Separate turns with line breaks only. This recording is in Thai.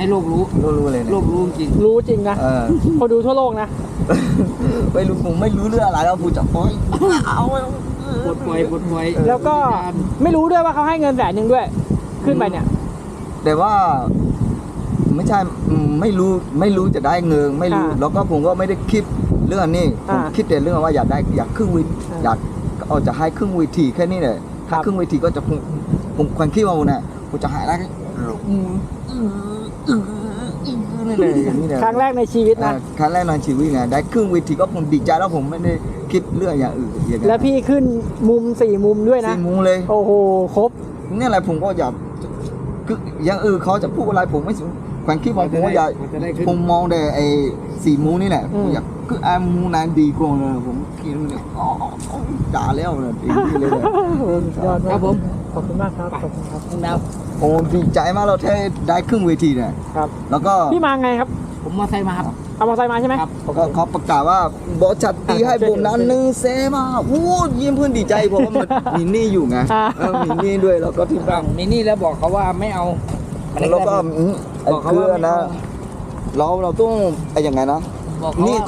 ให้โลกรู้
รู้เลย
โลกรู้จริง
รู้จริงนะคนดูทั่วโลกนะ
ไม่รู้ผมไม่รู้เรื่องอะไรแล้วผมจะปล่อยเอา
ปลดปล่อย
แล้วก็ไม่รู้ด้วยว่าเขาให้เงิน100,000ด้วยขึ้นไปเนี่ย
แต่ว่าไม่ใช่ไม่รู้จะได้เงินไม่รู้แล้วก็ผมก็ไม่ได้คิดเรื่องนี้ผมคิดแต่เรื่องว่าอยากครึ่งวิอยากเอาจะให้ครึ่งวิธีแค่นี้เลยถ้าครึ่งวิธีก็จะผมความคิดว่าเนี่ยผมจะหายได้นี่เลยนี่เลย
ครั้งแรกในชีวิตนะ
ครั้งแรกในชีวิตไงได้ครึ่งวิธีก็ผมดีใจแล้วผมไม่ได้คิดเรื่องอย่างอื่นอย่าง
แล้วพี่ขึ้นมุม4 มุมด้วยนะ
4 มุมเลย
โอ้โหครบ
นี่อะไรผมก็อยากคืออย่างอื่นเขาจะพูดอะไรผมไม่สนความคิดของผมว่าอยากผมมองแต่ไอ้4 มุมนี่แหละผมอยากคือไอ้มุมนั้นดีกว่าเลยผมคิดว่าเนี่ยด่าแล้วเลยดีเลย
ยอด
ครับผม
ขอบคุณมากครับขอบคุณครับ
คุณดาว
โอ้ดีใจมากเราแค่ได้ครึ่งเวทีเนี่ย
ครับ
แล้วก็
พี่มาไงครับ
ผมมาไซค์มาครับ
เอามอเตอร์ไซค์มาใช่ไหม
ครับ
ก็เขาประกาศว่าบอสจัดตีให้ผมนั้น1 แสนมาโอ้ยิ้มเพื่อนดีใจเพราะว่ามันมีหนี้อยู่ไงมีหนี้ด้วยแล้วก็ที่บ้าน
มีนี่แล้วบอกเขาว่าไม่เอา
แล้วก็ไอ้
บอกเขา
เพื่
ว่า
อนนะเราต้องไอ้ยังไงนะ
บอกเขา
นี่
ว่า